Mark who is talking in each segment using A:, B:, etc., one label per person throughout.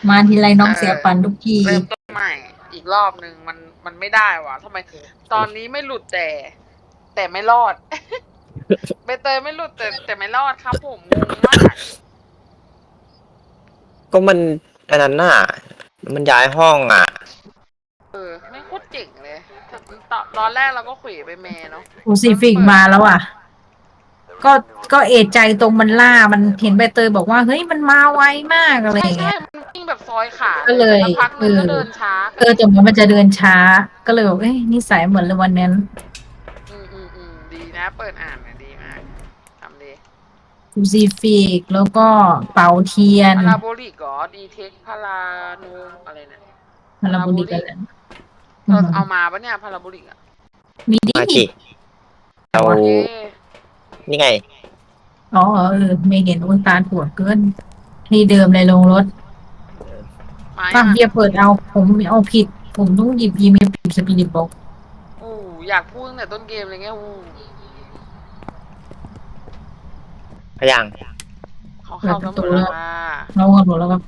A: มาทีไรน้องเสียฝันทุกที
B: เริ่มต้นใหม่อีกรอบหนึ่งมันไม่ได้วะทำไมตอนนี้ไม่หลุดแต่ไม่รอด ใบเตยไม่หลุดแต่ไม่รอดครับผมงงมาก
C: ก็มันอันนั้นน่ะมันย้ายห้องอ่ะ
B: ไม่โคตรเจ๋งเลยตอนแรกเราก็ขุยไปเมย์เนาะ
A: โอซิฟิกมาแล้วอ่ะก็ก็เอะใจตรงมันล่ามันเห็นใบเตยบอกว่าเฮ้ยมันมาไวมากอะไรอย่าง
B: ใช่
A: เงี้ย
B: มันวิ่งแบบซอยขา
A: ก็เลย
B: แต่พักนึงก็เดินช้า
A: แต่มันจะเดินช้าก็เลยบอกเอ้ยนิสัยเหมือนเลยวันนั้น
B: ดีนะเปิดอ่านดีมากทำดี
A: โอซิฟิกแล้วก็เป่าเทียน
B: พาราโบลิกเหรอดีเทคพาราโนอะไรนะ
A: พาราโบลิกอะไร
B: เราเอามาปะเนี่ยพาราโบลิกอ่ะ
A: มีดิ
C: เรานี่ไง
A: อ๋อไม่เห็นอุนตาถั่วเกินที่เดิมในโรงรถป้าเบียเปิดเอาผมเอาผิดผมต้องหยิบผิดสปิริตบอก
B: อยากพูดตั้งแต่ต้นเกมอะไรเงี้ย
C: พยัง
B: เขาเข้ากันหมดแล้ว
A: เรากันหมดแล้วครับ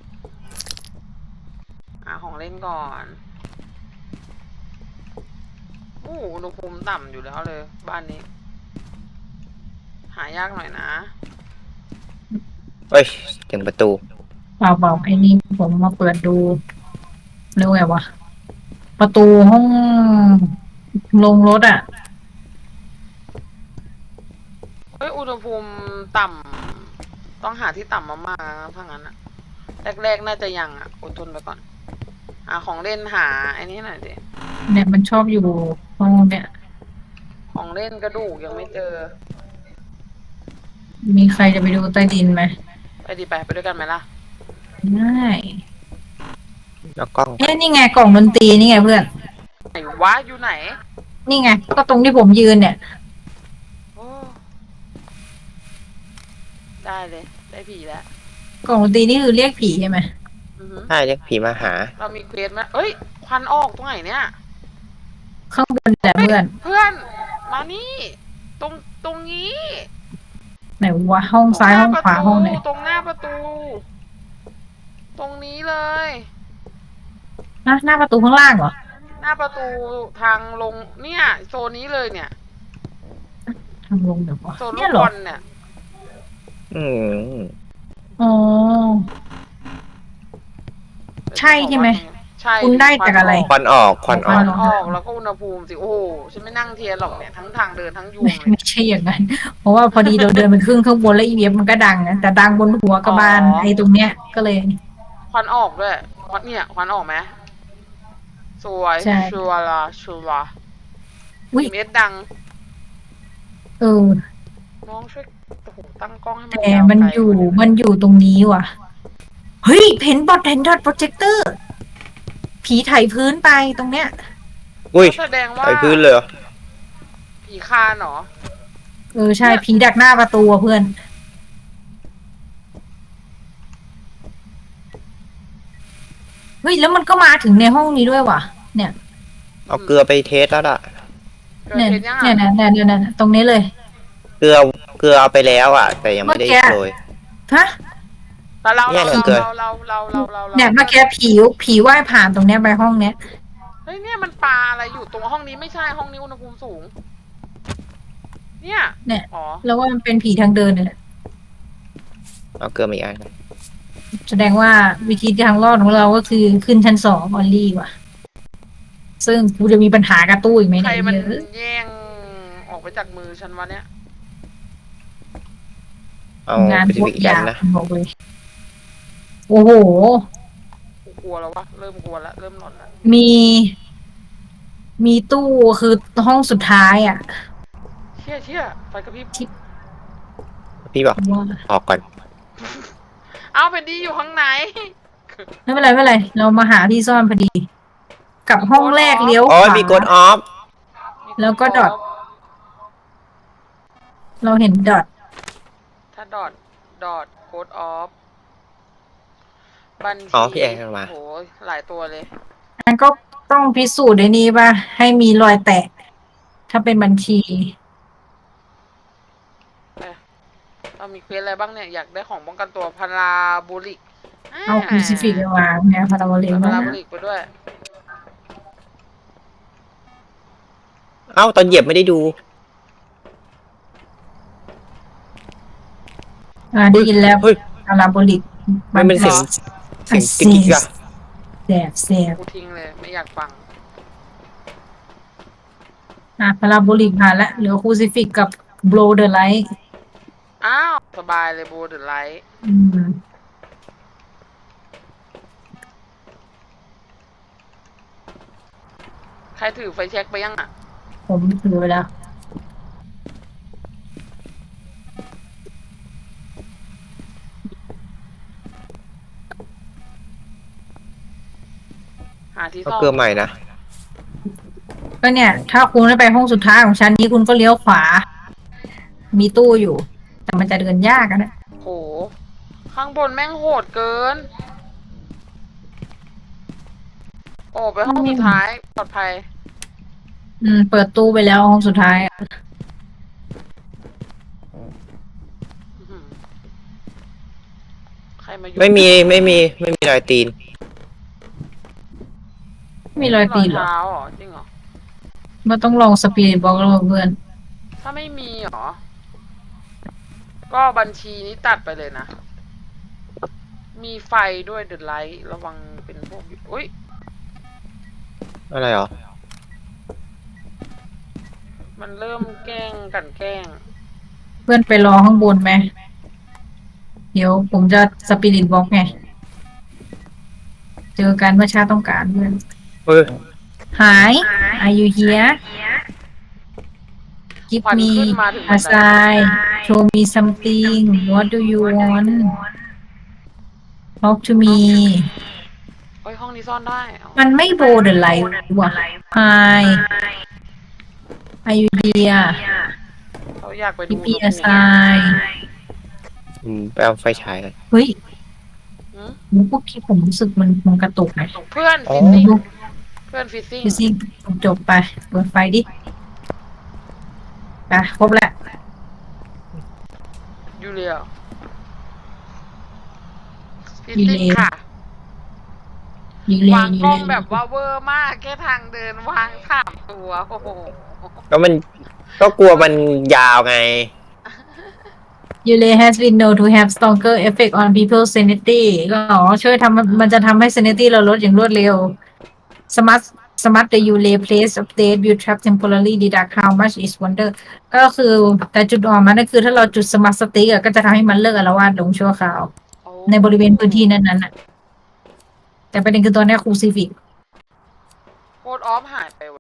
B: ของเล่นก่อนอุณหภูมิต่ำอยู่แล้วเลยบ้านนี้หายากหน่อยนะ
C: เฮ้ยถึงประตู
A: เปล่าไอ้นี่ผมมาเปิดดูเรียกว่าไงวะประตูห้องลงรถอ่ะ
B: อุณหภูมิต่ำต้องหาที่ต่ำมากๆถ้างั้นอะแรกๆน่าจะยังอะอดทนไปก่อนของเล่นหาไอ้นี่หน่อยดิ
A: เนี่ยมันชอบอยู่ห้องเนี่ย
B: ของเล่นกระดูกยังไม่เจอ
A: มีใครจะไปดูใต้ดินไหม
B: ไปด้วยกันไหมล่ะ
A: ได้
C: แล้วกล้อง
A: นี่ไงกล่องดนตรีนี่ไงเพื่อน
B: ไหนวะอยู่ไหน
A: นี่ไงก็ตรงที่ผมยืนเนี่ย
B: ได้เลยได้ผีแล้ว
A: กล่องดนตรีนี่คือเรียกผีใช่ไหม
C: ใช่เรียกผีมาหา
B: เรามีเควสไหมเอ้ยควันออกตรงไหนเนี่ย
A: ข้างบนแหละเพื่อน
B: มานี่ตรงนี้
A: ไหนวะห้องซ้ายห้องขวาห้องไหน
B: ตรงหน้าประตูตรงนี้เลย
A: หน้าประตูข้างล่างเหรอ
B: หน้าประตูทางลงเนี่ยโซนนี้เลยเนี่ย
A: ทางลงเดี๋ยววะ
B: โซนลูกบอลเนี่ย
A: อ๋อใช่ไหมคุณได้จากอะไร
C: ควันออก
B: แล้วก็อุณหภูมิสิโอ้ฉันไม่นั่งเทียนหรอกเนี่ยทั้งทางเดินทั้งยุง
A: ไม่ใช่อย่างนั้นเพราะว่าพอดีเราเดินไปครึ่งข้างบนแล้วอีเว็บมันก็ดังนะแต่ดังบนหัวกระบาลไอ้ตรงเนี้ยก็เลย
B: ควันออกด้วยควันออกไหมสวยชัวร์เม็ดดังน้องช่วยตั้งกล้องให้มัน
A: แต่มันอยู่ตรงนี้ว่ะเฮ้ยเห็นโปรเจคเตอร์ผีไถพื้นไปตรงเนี้ย
B: แสดงว่า
C: ไถพื้นเลย
B: ผีคานเหรอ
A: ใช่ผีดักหน้าประตูเพื่อนเฮ้ยแล้วมันก็มาถึงในห้องนี้ด้วยว่ะเนี่ย
C: เอาเกลือไปเทสแล้วล่ะ
A: เนี่ยตรงนี้เลย
C: เกลือเอาไปแล้วอ่ะแต่ยังไม่ได้โรย
A: ฮะ
B: เราเนี่ยเมื่อ
A: กี้ผีว่ายผ่านตรงเนี้ยไปห้องเนี้ย
B: เฮ้ยเนี่ยมันปลาอะไรอยู่ตรงห้องนี้ไม่ใช่ห้องนี้อุณหภูมิสูงเนี่ย
A: แล้วว่ามันเป็นผีทางเดินเนี่ย
C: เอาเกลือมาอีกอัน
A: แสดงว่าวิธีทางรอดของเราก็คือขึ้นชั้น2ออลลี่ว่ะซึ่งกูจะมีปัญหากับตู้อีกไหม
B: เนี่ยใครมันแย่งออกไปจากมือฉันวะเนี่ย
C: เอาไปอีกอันนะ
A: บอกเลยโอ้โห
B: กลัวแล้ววะเริ่มกลัวแล้วเริ่มหลอนแล้ว
A: มีตู้คือห้องสุดท้ายอ่ะ
B: เชี่ยไฟกระพริบ
C: พี่บอกออกก่อน
B: เอาเป็นดีอยู่ข้างไหน
A: ไม่เป็นไรเรามาหาที่ซ่อนพอดีกับห้องแรกเลี้ยวขวา
C: มีกดออฟ
A: แล้วก็ดอทเราเห็นดอท
B: ถ้าดอทโค้ดออฟบัญชี
C: พี่แอนมา
B: โหหลายตัวเลย
A: อันก็ต้องพิสูจน์ในนี้ป่ะให้มีรอยแตะถ้าเป็นบัญชี
B: เรามีเควสอะไรบ้างเนี่ยอยากได้ของป้องกันตัวพาราโบลิก
A: เอาครูซิฟิกไปวางเนี่ยพาราโบลิก
B: เอา
A: แล้ว
B: พารา
A: นะ
B: โบลิกไปด้วย
C: เอ้าตอนเหยียบไม่ได้ดู
A: ได้ยินแล้ว
C: เฮ้ย
A: พาราโบลิก
C: มันเป็นเสียง
B: หรอ
C: เสียงติ๊กกิ๊กอะ
A: แสบ
B: กูทิ้งเลยไม่อยากฟัง
A: พาราโบลิกผ่านแล้วเหลือครูซิฟิกกับโบลเดอร์ไลท์
B: อ้าวสบายเลยโบเดอร์ไลท์ใครถือไฟแช็กไปยังอ่ะ
A: ผมถือไปแล้ว
B: หาที่
C: เอา
B: ซ่อม
C: เกลือใหม่นะ
A: ก็เนี่ย ถ้าคุณได้ไปห้องสุดท้ายของชั้นนี้คุณก็เลี้ยวขวา มีตู้อยู่ แต่มันจะเดินยากอะนะ
B: โห ข้างบนแม่งโหดเกิน โอ้ไปห้องสุดท้ายปลอดภัย
A: เปิดตู้ไปแล้วห้องสุดท้ายอะ
B: อื้อหือใครมาอยู่
C: ไม่มีรอยตีน
A: มีรอยตีนเหรอ
B: เท้าเหรอจริงเหรอ
A: มันต้องลองสปีดบอกแล้วเพื่อน
B: ถ้าไม่มีเหรอ ก็บัญชีนี้ตัดไปเลยนะ มีไฟด้วยเด e ไลท์ระวังเป็นพวกอุ้ย
C: อะไรหรอ
B: มันเริ่มแกล้งกันแกล้ง
A: เพื่อนไปรอข้างบนไหม เดี๋ยวผมจะสปิริตบอกไง เจอกันเมื่อชาติต้องการเพื่อน
C: เฮ้ย
A: หาย Are you here Give
B: ควัน
A: me
B: ขึ้นมาถึง
A: a sign Show me something What do you want Talk to me
B: เฮ้ยห้องนี้ซ่อนได้อ๋อ
A: มันไม่โบเดอร์ไลท์ว่ะ Hi Are you here
B: เขาอยากไปดู
A: Give me a sign
C: ไปเอาไฟฉายกัน
A: เฮ้ย
B: หืม
A: ผมพวกที่ผมรู้สึกมันกระตุกไหม
B: เพื่อน
C: อ๋อ
B: ฟิซซิ่งเพื่อนฟิซซิ่ง
A: ดูสิจบไปเปิดไฟดิครบแล้ว
B: ยูเรียฟิซซิ่งค่ะ
A: ยิงเลยว
B: าง
A: ยิง
B: กล้อง
A: เลย
B: แบบว่าเวอร์มากแค่ทางเดินวาง3 ตัว โอ้โห
C: ก็มันก็กลัวมันยาวไง
A: Yule has been known to have stronger effect on people's sanity ก็ช่วยมันจะทำให้ sanity เราลดอย่างรวดเร็ว Smart the Yule place update will trap temporarily deduct how much is wonder ก็คือแต่จุดอ่อนมันก็คือถ้าเราจุด smart stick ก็จะทำให้มันเลิกอาละวาดลงชั่วคราว ในบริเวณพื้นที่นั้นๆแต่ประเด็นคือตอนนี้ครูซิฟิก
B: โคดออฟหายไปวะ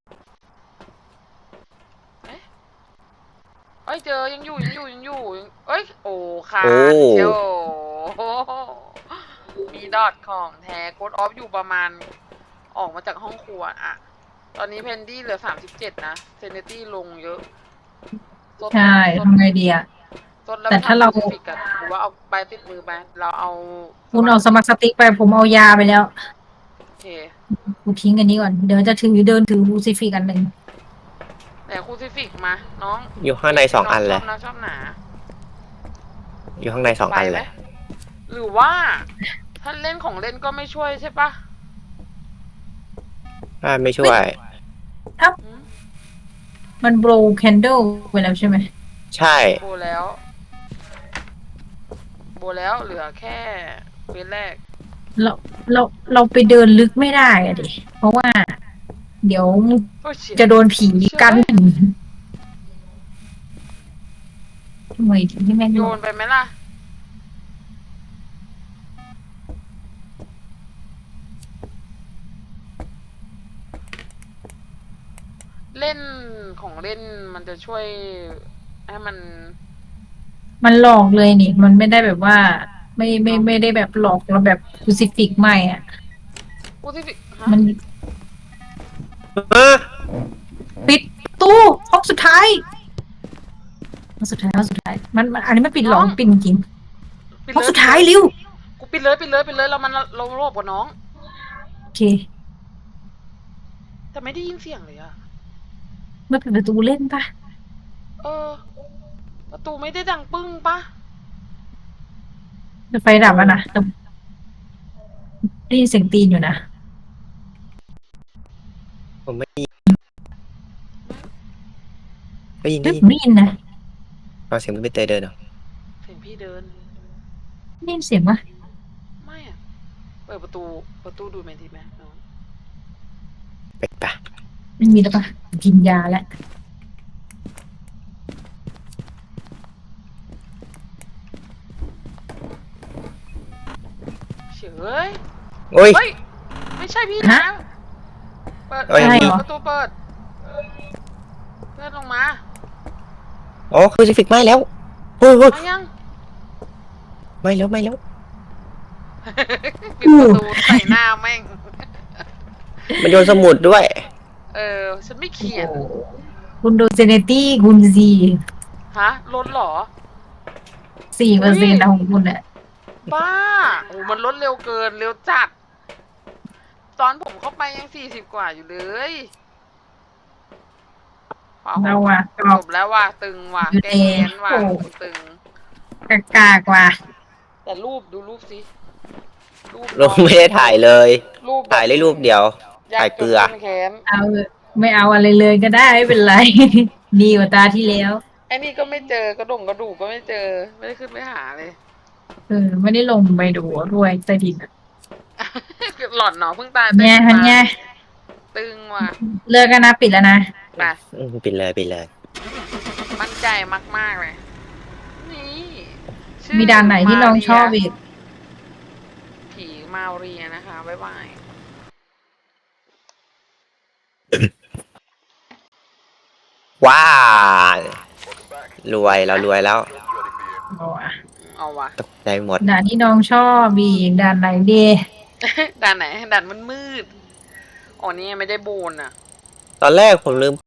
B: เอ้ยเจอยังอยู่เอ้ยโอ้ค่ะ
C: โอ้
B: เชียวโอ้โหมีดอทของแท้โคดออฟอยู่ประมาณออกมาจากห้องครัวอะตอนนี้เพนดี้เหลือ37นะเซเนตี้ลงเยอะซด
A: ใช่ทำไงดีอ่ะ
B: ซดแล้ว
A: แต่ถ้าเรา
B: ไปทำฟิกกันหรือว่าเอาใบติดมือไปเราเอา
A: คุณเอาสมาร์ทสติ๊กไปผมเอายาไปแล้ว
B: โอเค
A: กูทิ้งอันนี้ก่อน เดี๋ยวจะเดินถือครูซิฟิกอันหนึ่ง
B: แต่คูซิฟิกมาน้อง
C: อยู่ข้างใน2 อันเลย
B: ชอบหนา
C: อยู่ข้างใน2 อันเลย
B: หรือว่า ถ้าเล่นของเล่นก็ไม่ช่วยใช่ปะ
C: ไม่ช่วย
B: อืม
A: มันโบรแคนเดลไปแล้วใช่ไหม
C: ใช่
B: โบแล้วเหลือแค่เวทแรก
A: เราไปเดินลึกไม่ได้อะดิ เพราะว่า เดี๋ยว
B: โอ้ยเชี่ย
A: จะโดนผีกันทำไมถึงที่แม่ง
B: โยนไปไหมล่ะ เล่นของเล่นมันจะช่วยให้
A: มันหลอกเลยนี่ มันไม่ได้แบบว่า ไม่ได้แบบหลอกเราแบบครูซิฟิกไม่อ่ะ
B: คูซิฟิกฮะ
A: มันปิดตู้ห้องสุดท้ายมันอันนี้มันปิดหลอกปิดจริง
B: ปิด
A: ห้อง
B: เลย
A: สุดท้ายเร็ว
B: กูปิดเลยเราโลภกว่าน้อง
A: โอเค
B: แต่ไม่ได้ยินเสียงเลยอะ
A: ไม่ปิดประตูเล่นปะ
B: ประตูไม่ได้ดังปึ้งปะ
A: ไฟดับอ่ะนะได้ยินเสียงตีนอยู่นะ
C: ผมไม่ได้ยินได้ยิน
A: เฮ้
C: ได้
A: ย
C: ยิ
A: ผ
C: น
A: มได้ยินนะ
C: ฟังเสียงพี่เตยเดินเหรอ
B: เสียงพี่เดิน
A: ได้ยินเสียงปะ
B: ไม่อะเปิดประตูดูเมนทีไหมน้อง
C: ไปปะ
A: ไม่มีแล้วปะกินยาแล้ว
B: เฉย
C: โอ้ย
B: เฮ้ย ไม่ใช่พี่นะ เปิด
C: เอ้ย
B: ประตูเปิดเลื่อนลงมา
C: อ๋อคือจะฟิกไหม้แล้วโอ้ยโอ้ย
B: มายัง
C: ไหม้แล้วไหม้แล้ว
B: ปิดประตูใส่หน้าแม่ง
C: มันโยนสมุดด้วย
B: ฉันไม่เขียน
A: คุณดูเซเนตี้คุณซี
B: ฮะลดเหรอ
A: 4%นะของคุณอ่ะ
B: บ้าโอ้มันลดเร็วเกิน เร็วจัด ตอนผมเข้าไปยัง40 กว่าอยู่เลยว้าว
A: เราอ่ะกร
B: จ
A: อบบ
B: แล้วว่ะตึงว่ะ
A: อยู่
B: แก
A: ใน
B: แค้นว่ะ
A: โอ้
B: ตึง
A: กากว่ะ
B: แต่รูปดูรูปสิรูป
C: เราไม่ได้ถ่ายเลย
B: รูปแบบ
C: ถ่ายได้รูปเดียว ถ่ายเกลือ
B: ยากจนแค้น
A: เอาไม่เอาอะไรเลยก็ได้ไม่เป็นไร ดีกว่าตาที่แล้ว
B: ไอ้นี่ก็ไม่เจอกระดูกก็ไม่เจอ ไม่ได้ขึ้นไปหาเลย
A: ไม่ได้ลงไปดูด้วยใต้ดินอะ
B: หล่อนเนาะเพิ่งตาย
A: เนี่ยฮันเนี่ย
B: ตึงว่ะ
A: เลิกกันนะปิดแล้วนะ
B: ไป
C: ปิดเลยปิดเลย
B: มั่นใจมากๆเลย นี่ชื่อ
A: มีด่านไหนที่น้องชอบอีก
B: ผีมาเรียนะคะ บ๊ายบาย
C: ว้ารวยเรารวยแล้ว
A: เอาอะ
B: เอาวะ
C: ตกใจหมด
A: ด่านที่น้องชอบอีกด่านไหนดี
B: ด่านไหนด่านมันมืดอ๋อนี่ไม่ได้โบนอ่ะ
C: ตอนแรกผมลืม